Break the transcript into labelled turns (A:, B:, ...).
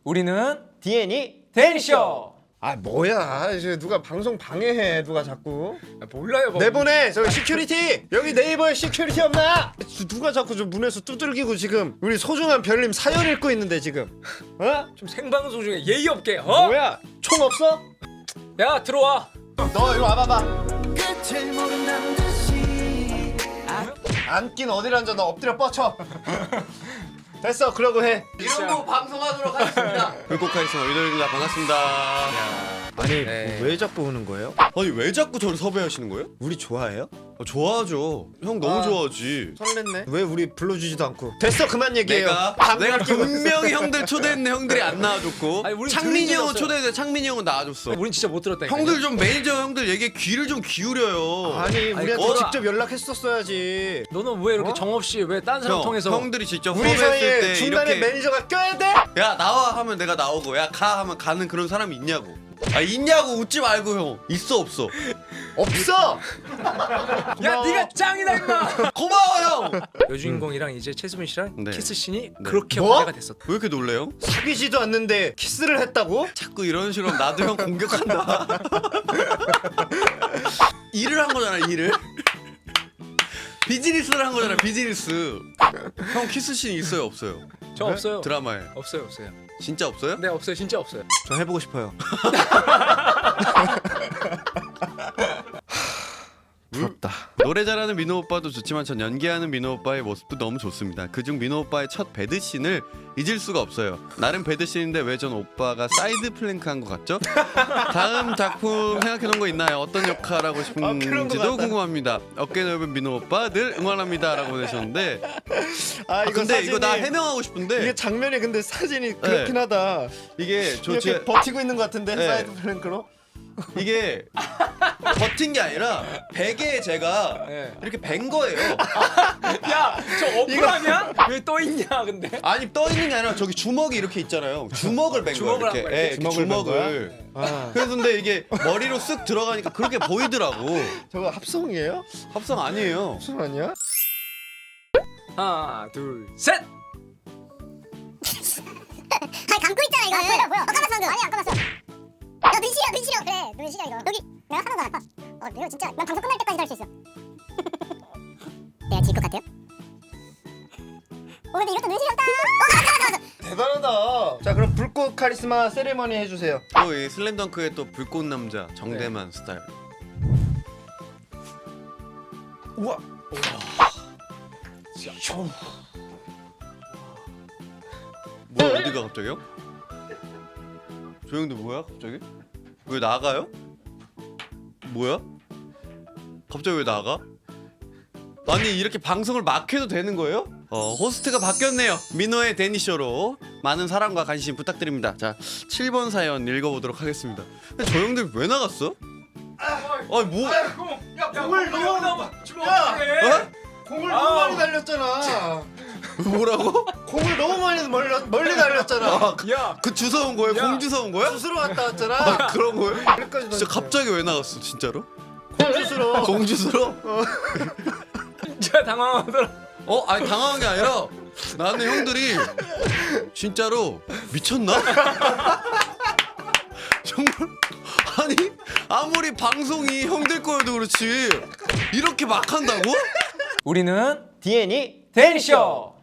A: 우리는
B: DN이
A: 데니쇼.
B: 아 뭐야 이제 누가 방송 방해해 누가 자꾸
A: 몰라요.
B: 내보내 저기 시큐리티 여기 네이버에 시큐리티 없나? 누가 자꾸 좀 문에서 두들기고 지금 우리 소중한 별님 사연 읽고 있는데 지금 어?
A: 좀 생방송 중에 예의 없게. 어?
B: 뭐야 총 없어?
A: 야 들어와.
B: 너 이리 와봐봐 앉긴 어딜 앉아 너 엎드려 뻗쳐 됐어 그러고 해
A: 이런 거
C: 방송하도록 하겠습니다. 불꽃카리스마 위도입니다. 반갑습니다.
B: 아니
A: 네.
B: 왜 자꾸 오는 거예요?
C: 아니 왜 자꾸 저를 섭외하시는 거예요?
B: 우리 좋아해요?
C: 좋아하죠. 형 너무
B: 아.
C: 좋아하지.
B: 설렜네 왜 우리 불러주지도 않고 됐어 그만 얘기해요
C: 내가 분명히 형들 초대했는데 형들이 안 나와줬고
A: 아니, 우린
C: 창민이
A: 들은 적이
C: 형은
A: 없어요.
C: 초대했는데 창민이 형은 나와줬어.
A: 우린 진짜 못 들었다니까.
C: 형들 좀 매니저 형들 얘기에 귀를 좀 기울여요.
B: 아니 우리한테
A: 뭐라.
B: 직접 연락했었어야지
A: 너는 왜 이렇게
B: 어?
A: 정없이 왜 딴 사람
C: 형,
A: 통해서
C: 형들이 직접
B: 우리
C: 섭외했을
B: 사이에
C: 때
B: 중간에
C: 이렇게
B: 매니저가 껴야 돼?
C: 야 나와 하면 내가 나오고 야 가 하면 가는 그런 사람이 있냐고. 아 있냐고 웃지 말고 형. 있어 없어.
B: 없어!
A: 야 네가 짱이다 임마.
C: 고마워 형.
A: 여주인공이랑 이제 최수빈 씨랑
C: 네.
A: 키스 씬이
C: 네.
A: 그렇게
B: 뭐?
A: 화제가 됐었다.
C: 왜 이렇게 놀래요?
B: 사귀지도 않는데 키스를 했다고?
C: 자꾸 이런 식으로 하면 나도 형 공격한다. 일을 한 거잖아 일을. 비즈니스를 한 거잖아 비즈니스. 형 키스씬 있어요 없어요?
A: 저 없어요.
C: 드라마에
A: 없어요.
C: 진짜 없어요?
A: 네 없어요. 진짜 없어요.
B: 저 해보고 싶어요 부럽다
C: 노래 잘하는 민호 오빠도 좋지만 전 연기하는 민호 오빠의 모습도 너무 좋습니다. 그중 민호 오빠의 첫 배드씬을 잊을 수가 없어요. 나름 배드씬인데 왜 전 오빠가 사이드 플랭크한 것 같죠? 다음 작품 생각해놓은 거 있나요? 어떤 역할 하고
B: 그런 거
C: 싶은지도
B: 같다.
C: 궁금합니다. 어깨 넓은 민호 오빠 늘 응원합니다 라고 보내셨는데
B: 아
C: 근데 이거 나 해명하고 싶은데
B: 이게 장면이 근데 사진이 그렇긴 하다
C: 이게
B: 이렇게 버티고 있는 것 같은데
C: 네.
B: 사이드 플랭크로
C: 이게 버틴 게 아니라 베개에 제가
A: 네.
C: 이렇게 벤 거예요.
A: 야저 어플하냐? 왜 떠 있냐 근데?
C: 아니 떠 있는 게 아니라 저기 주먹이 이렇게 있잖아요. 주먹을 벤 거예요.
A: 주먹을 한
C: 이렇게.
A: 거야,
C: 예,
A: 이렇게?
C: 이렇게 주먹을.
B: 아,
C: 그래서 근데 이게 머리로 쓱 들어가니까 그렇게 보이더라고.
B: 저거 합성이에요?
C: 합성 아니에요.
B: 합성 아니야?
A: 하나 둘 셋.
D: 아니 감고 있잖아 이거. 보여. 감았어 방금. 아니 안 감았어. 야 눈 시려. 그래 눈 시려 이거. 여기 내가 하나도 안. 이거 진짜 난 방송 끝날 때까지 할 수 있어. 내가 질 것 같아요? 근데 이것도 눈 시렸다. 감았어.
B: 대단하다 자 그럼 불꽃 카리스마 세레머니 해주세요
C: 또 이 슬램덩크의 또 불꽃 남자 정대만 스타일.
B: 우와
C: 뭐야 어디가 갑자기요? 저 형들 뭐야 갑자기? 왜 나가요? 뭐야? 갑자기 왜 나가? 아니 이렇게 방송을 막 해도 되는 거예요? 호스트가 바뀌었네요. 민호의 데니쇼로 많은 사랑과 관심 부탁드립니다. 자 7번 사연 읽어보도록 하겠습니다. 근데 저 형들 왜 나갔어? 아니 뭐?
B: 공을 너무
C: 어?
B: 공을 너무 많이 날렸잖아
C: 뭐라고?
B: 공을 너무 많이 멀리 날렸잖아
A: 야
C: 그 주워 온 거예요?
A: 야.
C: 공 주워 온 거야?
B: 주스로 왔다 왔잖아
C: 아 그런 거예요?
B: 여기까지
C: 진짜 갑자기 왜 나갔어 진짜로?
B: 공주스로
C: 공주스러?
A: 진짜 당황하더라.
C: 아니 당황한 게 아니라 나는 형들이 진짜로 미쳤나? 정말 아니 아무리 방송이 형들 거여도 그렇지 이렇게 막 한다고?
A: 우리는
B: DN이
A: 데니쇼.